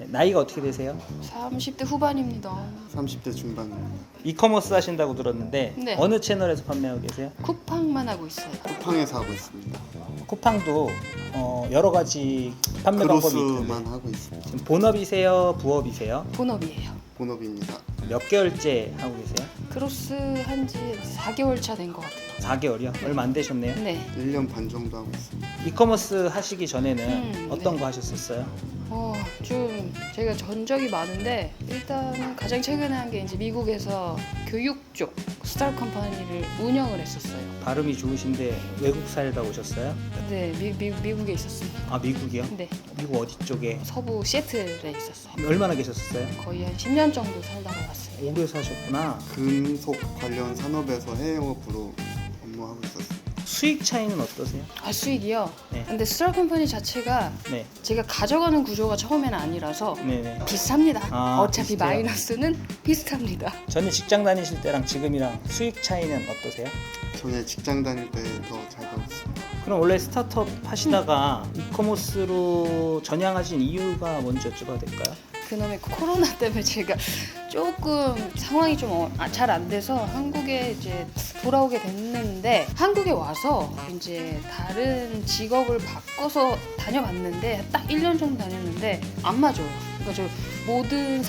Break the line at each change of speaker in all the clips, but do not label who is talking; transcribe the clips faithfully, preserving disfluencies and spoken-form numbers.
네, 나이가 어떻게 되세요?
삼십 대 후반입니다.
삼십 대 중반입니다.
이커머스 하신다고 들었는데
네.
어느 채널에서 판매하고 계세요?
쿠팡만 하고 있어요.
쿠팡에서 하고 있습니다.
쿠팡도 어, 여러 가지 판매 방법이 있는데
크로스만 하고 있습니다.
지금 본업이세요? 부업이세요?
본업이에요.
본업입니다.
몇 개월째 하고 계세요?
크로스 한지 사 개월 차 된 것 같아요.
사 개월이요? 얼마 안 되셨네요.
네.
일 년 반 정도 하고 있습니다.
이커머스 하시기 전에는
음,
어떤
네.
거 하셨었어요?
어, 좀 제가 전적이 많은데 일단은 가장 최근에 한 게 이제 미국에서 교육 쪽 스타트 컴퍼니를 운영을 했었어요.
발음이 좋으신데 외국 살다 오셨어요?
네, 미, 미, 미국에 있었습니다.
아 미국이요?
네,
미국 어디 쪽에?
서부 시애틀에 있었어요.
얼마나 계셨었어요?
거의 한 십 년 정도 살다가 왔어요.
오래 사셨구나.
금속 관련 산업에서 해외 영업으로 업무하고 있었습니다.
수익 차이는 어떠세요?
아, 수익이요?
네.
근데 스타트 컴퍼니 자체가
네,
제가 가져가는 구조가 처음에는 아니라서
네네.
비쌉니다.
아,
어차피
비슷해요.
마이너스는 비슷합니다.
전에 직장 다니실 때랑 지금이랑 수익 차이는 어떠세요?
전에 직장 다닐 때 더 잘 벌었습니다.
그럼 원래 스타트업 하시다가 이커머스로 전향하신 이유가 뭔지 여쭤봐도 될까요?
그놈의 코로나 때문에 제가 조금 상황이 좀 잘 안 돼서 한국에 이제 돌아오게 됐는데 한국에 와서 이제 다른 직업을 바꿔서 다녀봤는데 딱 일 년 정도 다녔는데 안 맞아요. 그러니까 저 모든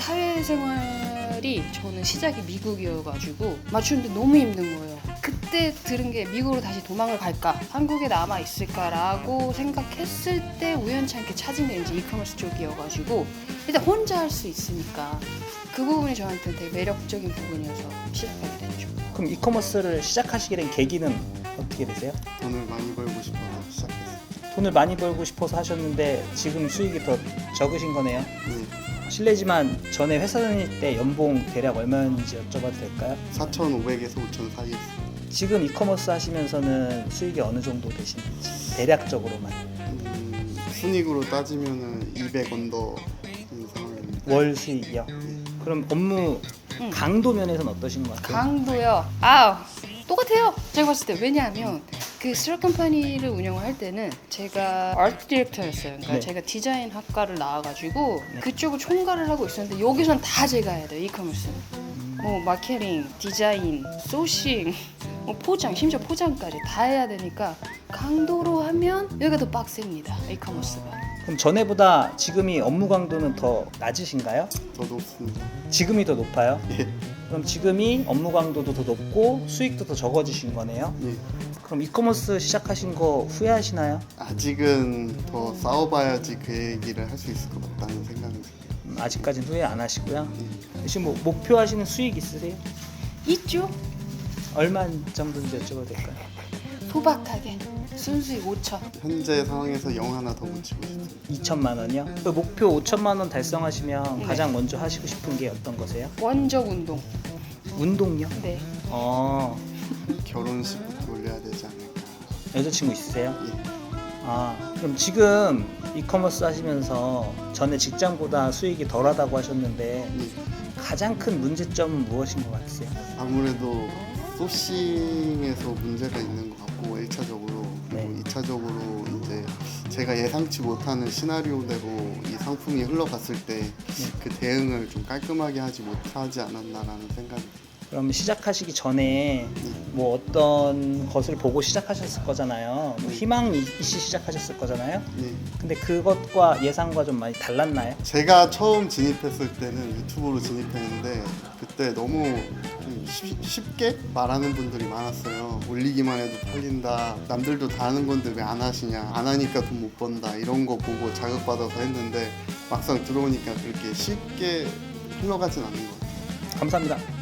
사회생활이 저는 시작이 미국이어가지고 맞추는데 너무 힘든 거예요. 그때 들은 게 미국으로 다시 도망을 갈까 한국에 남아 있을까라고 생각했을 때 우연치 않게 찾은 게 이제 이커머스 쪽이어가지고 일단 혼자 할 수 있으니까 그 부분이 저한테 되게 매력적인 부분이어서 시작하게 됐죠.
그럼 이커머스를 시작하시게 된 계기는 어떻게 되세요?
돈을 많이 벌고 싶어서 시작했습니다.
돈을 많이 벌고 싶어서 하셨는데 지금 수익이 더 적으신 거네요.
네,
실례지만 전에 회사 다닐 때 연봉 대략 얼마였는지 여쭤봐도 될까요?
사천오백에서 오천 사이였습니다.
지금 이커머스 하시면서는 수익이 어느 정도 되시는지 대략적으로만.
음, 순익으로 따지면은 이백 언더 인 상황입니다.
월 수익이요? 그럼 업무
응.
강도 면에서는 어떠신 것 같아요?
강도요. 아우 똑같아요. 제가 봤을 때 왜냐하면 그 스타트 컴퍼니를 운영할 때는 제가 아트 디렉터였어요. 그러니까
네.
제가 디자인 학과를 나와가지고
네.
그쪽을 총괄을 하고 있었는데 여기선 다 제가 해야 돼요. 이커머스는. 뭐 마케팅, 디자인, 소싱, 뭐 포장, 심지어 포장까지 다 해야 되니까 강도로 하면 여기가 더 빡셉니다. 이커머스가.
그럼 전에보다 지금이 업무 강도는 더 낮으신가요?
더 높습니다.
지금이 더 높아요?
예,
그럼 지금이 업무 강도도 더 높고 수익도 더 적어지신 거네요?
예.
그럼 이커머스 시작하신 거 후회하시나요?
아직은 더 싸워봐야지 그 얘기를 할 수 있을 것 같다는 생각이 듭니다.
음, 아직까지는 후회 안 하시고요.
예.
지금 뭐 목표하시는 수익 있으세요?
있죠?
얼마 정도인지 여쭤봐도 될까요?
소박하게 순수익 오천.
현재 상황에서 영 하나 더 붙이고 싶습니다.
이천만 원이요? 그 목표 오천만 원 달성하시면
네.
가장 먼저 하시고 싶은 게 어떤 거세요?
원적 운동.
운동요?
네.
어,
결혼식부터 올려야 되지 않을까.
여자친구 있으세요?
예.
아, 그럼 지금 이커머스 하시면서 전에 직장보다 수익이 덜하다고 하셨는데
예.
가장 큰 문제점은 무엇인 것 같으세요?
아무래도 소싱에서 문제가 있는 것 같고 일 차적으로 그리고
네.
이 차적으로 이제 제가 예상치 못하는 시나리오대로 이 상품이 흘러갔을 때 그 대응을 좀 깔끔하게 하지 못하지 않았나라는 생각이 듭니다.
그럼 시작하시기 전에 뭐 어떤 것을 보고 시작하셨을 거잖아요. 뭐 희망이 있이 시작하셨을 거잖아요.
예.
근데 그것과 예상과 좀 많이 달랐나요?
제가 처음 진입했을 때는 유튜브로 진입했는데 그때 너무 좀 쉽- 쉽게 말하는 분들이 많았어요. 올리기만 해도 팔린다. 남들도 다 하는 건데 왜 안 하시냐. 안 하니까 돈 못 번다. 이런 거 보고 자극받아서 했는데 막상 들어오니까 그렇게 쉽게 흘러가진 않는 것 같아요.
감사합니다.